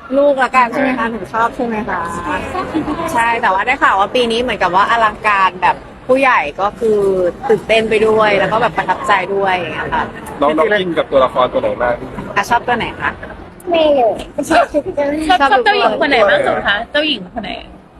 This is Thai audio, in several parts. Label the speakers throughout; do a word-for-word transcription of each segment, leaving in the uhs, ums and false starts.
Speaker 1: ลูกละกันใช่ไหมคะหนูชอบใช่ไหมคะใช่แต่ว่าได้ข่าวว่าปีนี้เหมือนกับว่าอลังการแบบผู้ใหญ่ก็คือตื่นเต้นไปด้วยแล้วก็แบบประทับใจด้วยอย่างเงี้ยค่ะ
Speaker 2: น้องน้องอินกับตัวละครตัวไหนมาก
Speaker 1: อ่ะชอบตัวไหนคะ
Speaker 3: ไม่รู้ชอบทุกคน
Speaker 4: ชอบชอบเจ้าหญิงคนไหนมากสุดคะเจ้าหญิงคนไหน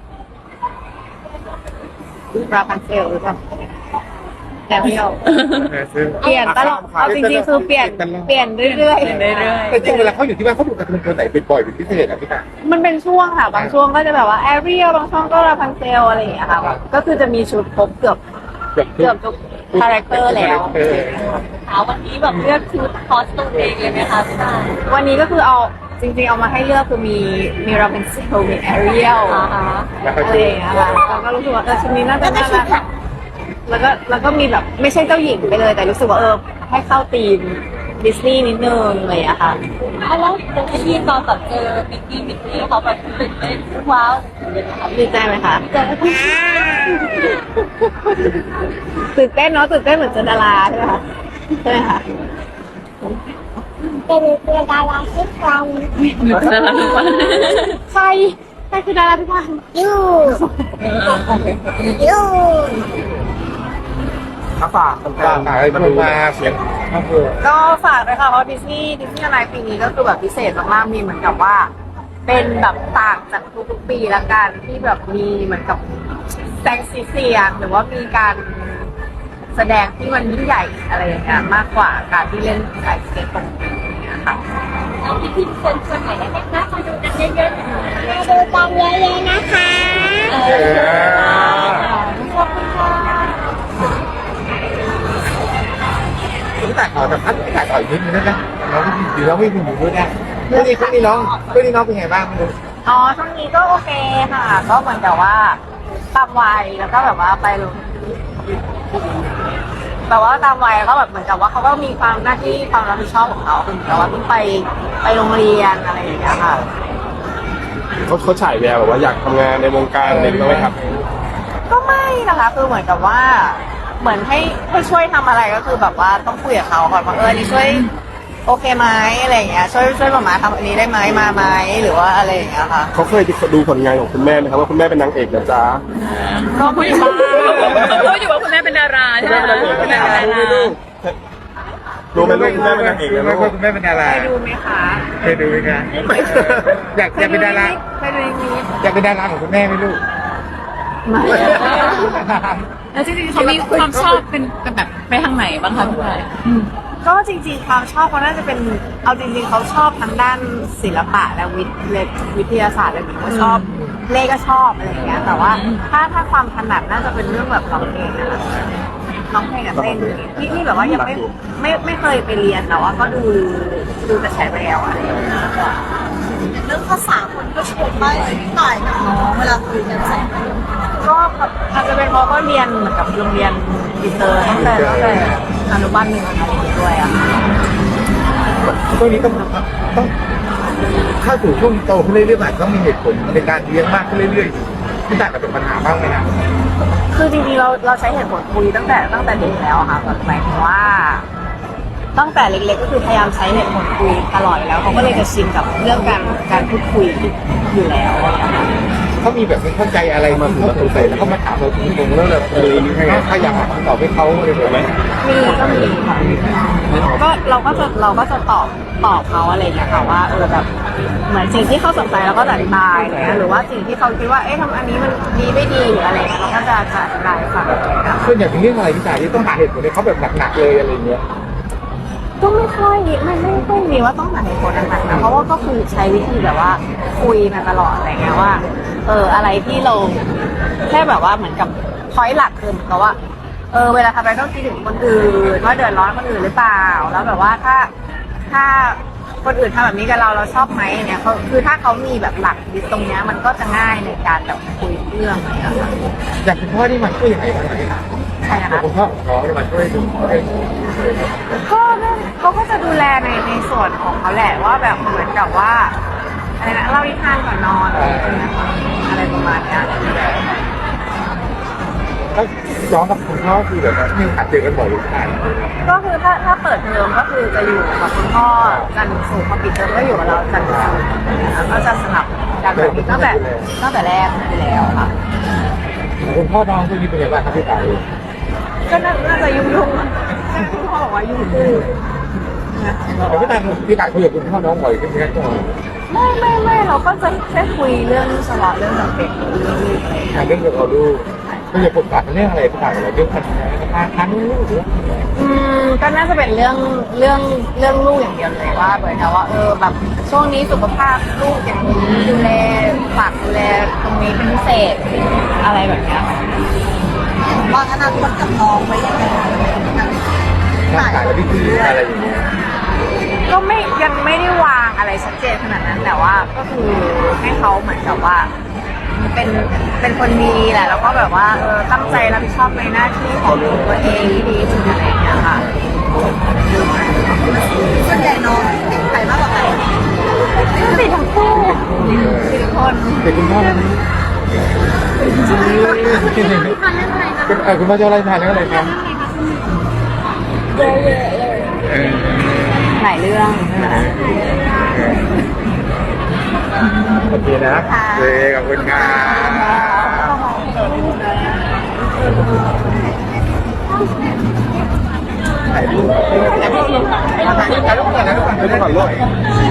Speaker 1: ราพันเซลหรือเปล่าแอบเดียวเปลี่ยนตลอดเอาจริงๆคือเปลี่ยนเปลี่ยนเรื่อยๆ
Speaker 4: เรื่อย
Speaker 5: แต่จริงเวลาเขาอยู่ที่บ้านเขาดูการ์ตูนตัวไหนเป็นบ่อยเป็นพิเศษอ่ะพี่ตา
Speaker 1: มันเป็นช่วงค่ะบางช่วงก็จะแบบว่าแอเรียลบางช่วงก็ราพันเซลอะไรอย่างเงี้ยค่ะก็คือจะมีชุดครบเกือบ
Speaker 5: เกือบ
Speaker 1: เกือบทุกคาแรคเตอร์แล้ว
Speaker 4: ๆเอาวันนี้แบบเลือกชุดคอสตูมเองเลยไหมคะพี่ตา
Speaker 1: วันนี้ก็คือเอาจริงๆเอามาให้เลือกคือมีมีราเป็นเซลมีแอเรียล
Speaker 4: อ่าฮะ
Speaker 1: อะไรอย่างเงี้ยค่ะแล้วก็รู้สึกว่าเออชุดนี้น่าจะน่ารักแล้วก็แล้วก็มีแบบไม่ใช่เจ้าหญิงไปเลยแต่รู้สึกว่าเออให้เข้าธีมดิสนีย์นิดนึงอะไรอย่างเงี้ยค่ะ
Speaker 4: เพราะว่าเป็นที่ตอนแบบเจอมิกกี้มิกกี้เขาแบบตื่นเต้นว้าว
Speaker 1: ดีใจไหมคะตื่นเต้นเนาะตื่นเต้นเหมือนเจอดาราใช่ไหมคะใช่ไหมคะ
Speaker 3: เป็นเป็นดาราทุกวัน
Speaker 4: หนูจะรักทุกวัน
Speaker 1: ใครใครคือดาราทุกวัน
Speaker 3: ยูยู
Speaker 5: ฝากฝากอะไรมาดูมาเสียงครอบครัว
Speaker 1: ก็ฝากเลยค่ะเพราะดิสนีย์ดิสนีย์อะไรปีนี้ก็คือแบบพิเศษมากๆมีเหมือนกับว่า เป็นแบบต่างจากทุกๆปีละกันที่แบบมีเหมือนกับแสงสีเสียงหรือว่ามีการแสดงที่มันยิ่งใหญ่อะไรอย่างเงี้ยมากกว่าการที่เล่นสายสเก็ตตรงนี้อย่างเงี้ยค่ะ
Speaker 4: แล้วพี่พี่เชิญชวนหน่อยได้ไหมคะมาดูกันเยอะๆหน่อย
Speaker 3: มาดูกันเยอะๆนะคะ
Speaker 4: เออขอบคุณค่ะ
Speaker 5: พี่ตาขอแต่พัดพี่ตาขออีกนิดนึงได้ไหมน้องพี่ดีน้องพี่อยู่ด้วยนะเพื่อนนี้เพื่อนนี้น้องเพื่อนนี้น้องเป็นไงบ้างไม่รู้
Speaker 1: อ๋อช่วงนี้ก็โอเคค่ะ ก็เหมือนกับว่าตามวัยแล้วก็แบบว่าไปลงแบบว่าตามวัยก็แบบเหมือนกับว่าเขาก็มีความหน้าที่ความรับผิดชอบของเขาคือเหมือนกับว่าต้องไปไปโรงเรียนอะไรอย่างเงี้ยค่ะ
Speaker 2: เขาเขาฉายแววแบบว่าอยากทำงานในวงการอะไรอย่างเงี้ยไหมครับ
Speaker 1: ก็ไม่นะคะคือเหมือนกับว่า เหมือนให้ให้ช่วยทำอะไรก็คือแบบว่าต้องคุยกับเขาก่อนว่าเออนี่ช่วยโอเคไหมอะไรอย่างเงี้ยช่วยช่วยหมามาทำอันนี้ได้ไหมมาไหมหรือว่าอะไรอย่างเงี้ยค่ะ
Speaker 2: เขาเคยดูผลงานของคุณแม่ไหมครับว่าคุณแม่เป็นนางเอกนะจ๊ะ
Speaker 1: ก็คุยบ้าง
Speaker 4: เขาพูดอยู่ว่าคุณแม่เป็นดาราใช่ไหมคะคุณแม่เป็นดารา
Speaker 2: รู้ไหมลูกคุณแม่เป็นนางเอกนะลูก
Speaker 5: คุณแม่เป็นดารา
Speaker 1: เคยดูไหมคะ
Speaker 5: เคยดูไหมคะอยากอยากเป็นดารา
Speaker 1: เคยดูนิด
Speaker 5: อยากเป็นดาราของคุณแม่ไหมลูก
Speaker 1: ๆไม่แล้วจริงๆ
Speaker 4: เขามีความชอบเป็นเป็นแบบไปทางไหนบ้างคะพี่ตา
Speaker 1: ก็จริงๆความชอบเขาน่าจะเป็นเอาจริงๆเขาชอบทั้งด้านศิลปะและวิทย์และวิทยาศาสตร์อะไรแบบนี้เขาชอบเลขก็ชอบอะไรอย่างเงี้ยแต่ว่าถ้าถ้าความถนัดน่าจะเป็นเรื่องแบบร้องเพลงนะคะร้องเพลงกับเต้นนี่นี่แบบว่ายังไม่ไม่ไม่เคยไปเรียนแต่ว่าก็ดูดูแต่แชร์แววอะไรอย่างเงี้ย
Speaker 4: เรื่องภาษาคนก็ชมมากเลยพี่ต่ายกับน้องเวลาคุยกันใส่
Speaker 1: ก็อาจจะเป็นเพราะว่าเรียนเหมือนกับโรงเรียนอินเตอร์ตั้งแต่ตั้งแต่อนุบาลหนึ่งอะไรอย่างเงี้ยด้วยอะ
Speaker 5: ช่วงนี้ต้องต้องเข้าสู่ช่วงโตขึ้นเรื่อยๆอาจจะต้องมีเหตุผลในการเลี้ยงมากขึ้นเรื่อยๆพี่ตากับเป็นปัญหาบ้างไหมนะ
Speaker 1: คือจริงๆเราเราใช้เหตุผลคุยตั้งแต่ตั้งแต่เด็กแล้วอะค่ะแบบหมายถึงว่า ตั้งแต่เล็กๆก็คือพยายามใช้เหตุผลคุยตลอดอยู่แล้วเขาก็เลยจะชินกับเรื่องการการพูดคุยอยู่แล้วอะค่ะ
Speaker 5: เขามีแบบไม่เข้าใจอะไรมาถึงมาสงสัยแล้วเขามาถามเราตรงๆแล้วเราเลยพยายามหาคำตอบให้เขาเลยถูกไหม
Speaker 1: มีก็มีค่ะก็เราก็จะเราก็จะตอบตอบเขาอะไรอย่างเงี้ยค่ะว่าเออแบบเหมือนสิ่งที่เขาสนใจเราก็จะอธิบายอะไรเงี้ยหรือว่าสิ่งที่เขาคิดว่าเอ๊ะทำอันนี้มันดีไม่ดีหรืออะไรเงี้ยเราก็จะจะอธิบายให้ฟังอะไรเงี้ย
Speaker 5: ส่วนใหญ่เป็นเรื่องอะไรพี่ตาที่ต้องหาเหตุผลให้เขาแบบหนักๆเลยอะไรเงี้ย
Speaker 1: ก็ไม่ค่อยไม่ไม่ค่อยมีว่าต้องหาเหตุผลหนักๆนะเพราะว่าก็คือใช้วิธีแบบว่าคุยมาตลอดอะไรเงี้ยว่าเอออะไรที่เราแค่แบบว่าเหมือนกับพอยต์หลักคือเหมือนกับว่าเออเวลาทำอะไรต้องคิดถึงคนอื่นว่าเดือดร้อนคนอื่นหรือเปล่าแล้วแบบว่าถ้าถ้าคนอื่นทำแบบนี้กับเราเราชอบไหมเนี่ยเขาคือถ้าเขามีแบบหลักยึดตรงเนี้ยมันก็จะง่ายในการแบบคุยเรื่องอะไรอย่างเงี้ยค่ะ
Speaker 5: อย่างคุณพ่อที่มาช่วยยังไงบ้างพี่ตา
Speaker 1: ใช่นะคะ
Speaker 5: คุณพ่อของน้องมาช่วยดู
Speaker 1: ก็เขาก็จะดูแลในในส่วนของเขาแหละว่าแบบเหมือนกับว่าอะไรนะเล่านิทานก่อนนอนอะไรประมาณเนี้ย
Speaker 5: ก็ก็ย้อนกับคุณพ่อคือแบบว่ามีโอกาสเจอกันบ่อยหรือเปล่า
Speaker 1: ก็คือถ้าถ้าเปิดเทอมก็คือจะอยู่กับคุณพ่อจันทร์ถึงศุกร์พอปิดเทอมก็อยู่กับเราจันทร์ถึงศุกร์นะคะก็จะสลับกันแบบนี้ตั้งแต่ตั้งแต่แรกอยู่แล้วค่ะ
Speaker 5: คุณพ่อน้องช่วงนี้เป็นยังไงบ้างครับพี่ตาย
Speaker 1: ก็น่าน่าจะยุ่งยุ่งๆอ่ะคุณพ่อบอกว่ายุ่งยุ่ง
Speaker 5: แต่พี่ตายพี่ตายคุยกับคุณพ่อน้องบ่อยขึ้นไหมครับ
Speaker 1: ไม่ไม่ไม่เราก็จะแค่คุยเรื่องเฉพาะเรื่องจำเป็นเรื่องลูกอะไรอย่างเงี้ย
Speaker 5: เรื่องเกี่ยวกับลูกก็อย่าปรึกษาเรื่องอะไรพี่ตายอะไรเรื่องการทานทานลูกหรือ
Speaker 1: อืมก็น่าจะเป็นเรื่องเรื่องเรื่องลูกอย่างเดียวเลยว่าเหมือนกับว่าเออแบบช่วงนี้สุขภาพลูกอย่างนี้ดูแลฝากดูแลตรงนี้เป็นพิเศษอะไรแบบเนี้ยค่ะ
Speaker 4: วางอนาคตกับน้องไว้ยังไง
Speaker 5: ร่างกายและวิธีอะไรอย่างเงี้ย
Speaker 1: ก็ไม่ยังไม่ได้วางอะไรชัดเจนขนาดนั้น แต่ว่าก็คือให้เขาเหมือนกับว่า เป็นเป็นคนดีแหละแล้วก็แบบว่าเออตั้งใจรับผิดชอบในหน้าที่ของตัวเองที่ดีที่สุดอะไรอย่างเงี้ยค่ะ
Speaker 4: ส่วนใหญ่น้องติดใครมากกว่ากัน
Speaker 1: ติดทั้งคู่ติดทุกคน
Speaker 5: เด็กคุณพ่อนั้นเออคุณพ่อจะอะไรทานแล้วอะไรครับ
Speaker 3: เยอะๆเลย
Speaker 5: เออ
Speaker 1: หลายเรื่องนะคะ
Speaker 5: โอเคนะโอเคขอบคุณครับถ่ายรูปถ่ายรูปถ่ายรูปก่อนนะถ่ายรูปก่อนนะถ่ายรูปก่อนลูก